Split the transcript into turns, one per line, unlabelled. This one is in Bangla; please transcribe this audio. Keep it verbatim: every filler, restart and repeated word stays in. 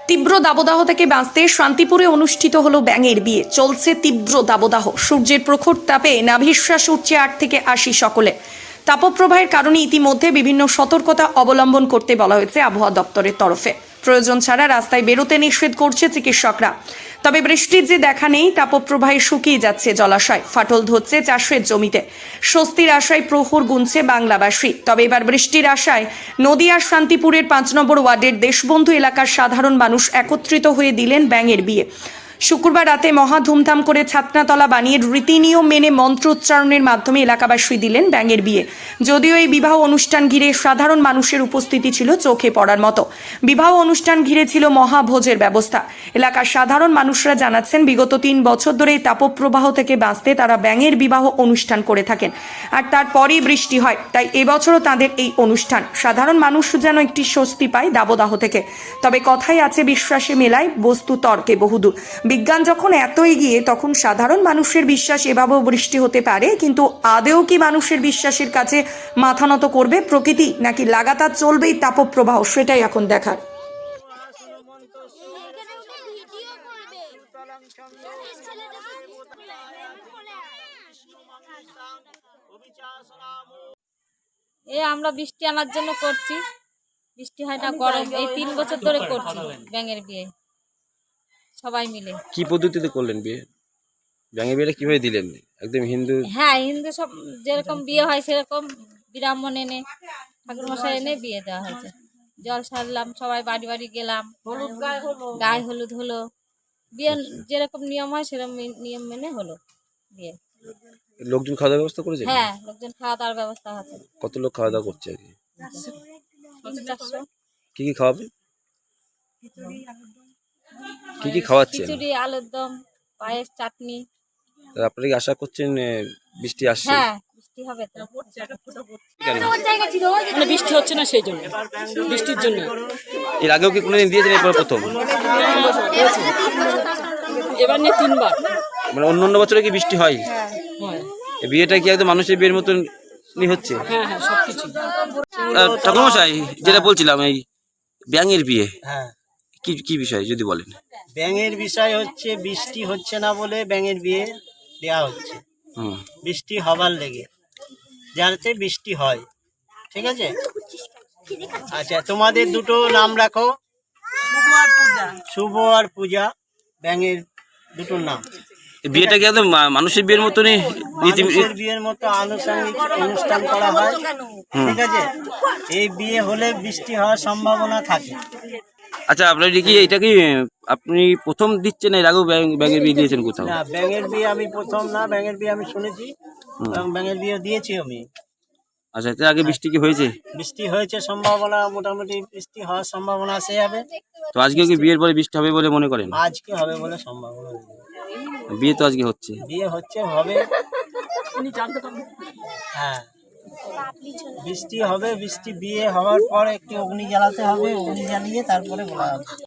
তীব্র দাবদাহ থেকে বাঁচতে শান্তিপুরে অনুষ্ঠিত হলো ব্যাঙের বিয়ে। চলছে তীব্র দাবদাহ, সূর্যের প্রখর তাপে নাভিশ্বাস উঠছে আট থেকে আশি সকলে। তাপপ্রবাহের কারণে ইতিমধ্যে বিভিন্ন সতর্কতা অবলম্বন করতে বলা হয়েছে আবহাওয়া দপ্তরের তরফে। প্রয়োজন ছাড়া রাস্তায় বেরোতে নিষেধ করছে চিকিৎসকরা। তবে বৃষ্টির যে দেখা নেই, তাপপ্রবাহে শুকিয়ে যাচ্ছে জলাশয়, ফাটল ধরছে চাষের জমিতে। স্বস্তির আশায় প্রহর গুনছে বাংলাবাসী। তবে এবার বৃষ্টির আশায় নদিয়ার শান্তিপুরের পাঁচ নম্বর ওয়ার্ডের দেশবন্ধু এলাকার সাধারণ মানুষ একত্রিত হয়ে দিলেন ব্যাঙের বিয়ে। শুক্রবার রাতে মহা ধুমধাম করে ছাতনাতলা বানিয়ে রীতিনিয়ম মেনে মন্ত্রোচ্চারণের মাধ্যমে এলাকাবাসী দিলেন ব্যাঙের বিয়ে। যদিও এই বিবাহ অনুষ্ঠান ঘিরে সাধারণ মানুষের উপস্থিতি ছিল চোখে পড়ার মতো। বিবাহ অনুষ্ঠান ঘিরে ছিল মহাভোজের ব্যবস্থা। এলাকার সাধারণ মানুষরা জানাচ্ছেন, বিগত তিন বছর ধরে এই তাপপ্রবাহ থেকে বাঁচতে তারা ব্যাঙের বিবাহ অনুষ্ঠান করে থাকেন, আর তারপরেই বৃষ্টি হয়। তাই এবছরও তাদের এই অনুষ্ঠান। সাধারণ মানুষ যেন একটি স্বস্তি পায় দাবদাহ থেকে। তবে কথাই আছে, বিশ্বাসে মেলায় বস্তু তর্কে বহুদূর। বিজ্ঞান যখন এত এগিয়ে, তখন সাধারণ মানুষের বিশ্বাস এভাবেও বৃষ্টি হতে পারে। কিন্তু আদেও কি মানুষের বিশ্বাসের কাছে মাথা নত করবে প্রকৃতি, নাকি লাগাতার চলবেই তাপপ্রবাহ, সেটাই এখন দেখার।
এই আমরা বৃষ্টি আনার জন্য করছি, বৃষ্টি হয় না, গরম। এই তিন বছর ধরে করছি ব্যাঙের বিয়ে, সবাই মিলে।
কি পদ্ধতিতে করলেন বিয়ে? ব্যাঙের বিয়েটা কিভাবে দিলেন? একদম হিন্দু?
হ্যাঁ, হিন্দু সব যেরকম বিয়ে হয় সেরকম ব্রাহ্মণ এনে, ঠাকুর মশাই এনে বিয়ে দেওয়া হয়েছে। জল সারলাম, সবাই বাড়ি বাড়ি গেলাম, গায়ে হলুদ হলো। বিয়ে যেরকম নিয়ম হয় সেরকম নিয়ম মেনে হলো বিয়ে।
লোকজন খাওয়া দাওয়ার ব্যবস্থা করেছে?
হ্যাঁ, লোকজন খাওয়া দাওয়ার ব্যবস্থা আছে।
কত লোক খাওয়া দাওয়া করছে আর কি?
চারশো।
কি কি খাওয়াবে? কি কি খাওয়াচ্ছেন?
খিচুড়ি, আলুর দম, পায়েস, চাটনি।
আপনারা কি আশা করছেন বৃষ্টি আসছে?
হ্যাঁ, বৃষ্টি হবে তো।
মানে বৃষ্টি হচ্ছে না, সেই জন্য, বৃষ্টির জন্য।
এর আগেও কি কোনোদিন দিয়েছেন? এরপর প্রথম?
এবার নিয়ে তিনবার।
মানে অন্য অন্য বছরে কি বৃষ্টি হয়?
হয়।
এই বিয়েটা কি একদম মানুষের বিয়ের মতন হচ্ছে?
হ্যাঁ হ্যাঁ, সবকিছু।
ঠাকুরমশাই, যেটা বলছিলাম, এই ব্যাঙের বিয়ে,
হ্যাঁ,
কি কি বিষয় যদি বলেন?
ব্যাঙের বিষয় হচ্ছে বৃষ্টি হচ্ছে না বলে ব্যাঙের বিয়ে দেয়া হচ্ছে।
হুম।
বৃষ্টি হবার লেগে, যাতে বৃষ্টি হয়। ঠিক আছে? আচ্ছা, তোমাদের দুটো নাম রাখো, শুভ আর পূজা। ব্যাঙের দুটো নাম।
এই বিয়েটা কি একদম মা- মানুষের বিয়ের মতনই রীতি?
মানুষের বিয়ের মতো আনুষঙ্গিক অনুষ্ঠান করা হয়। ঠিক আছে? এই বিয়ে হলে বৃষ্টি হওয়ার সম্ভাবনা থাকে।
আচ্ছা, আপনার কি এটা কি আপনি প্রথম দিচ্ছেন? এর আগেও ব্যাঙ- ব্যাঙের বিয়ে দিয়েছেন কোথাও?
না, ব্যাঙের বিয়ে আমি প্রথম না। ব্যাঙের বিয়ে আমি শুনেছি এবং ব্যাঙের বিয়ে দিয়েছি আমি।
আচ্ছা, এর আগে বৃষ্টি কি হয়েছে?
বৃষ্টি হয়েছে, সম্ভাবনা মোটামুটি বৃষ্টি হওয়ার সম্ভাবনা আছে হবে।
তো আজকে কি বিয়ের পরে বৃষ্টি হবে বলে মনে করেন?
আজকে হবে বলে সম্ভাবনা নেই।
বিয়ে তো আজকে হচ্ছে।
বিয়ে হচ্ছে, হবে। হ্যাঁ, বৃষ্টি হবে। বৃষ্টি বিয়ে হওয়ার পর একটি অগ্নি জ্বালাতে হবে। অগ্নি জ্বালিয়ে তারপরে বলা হবে।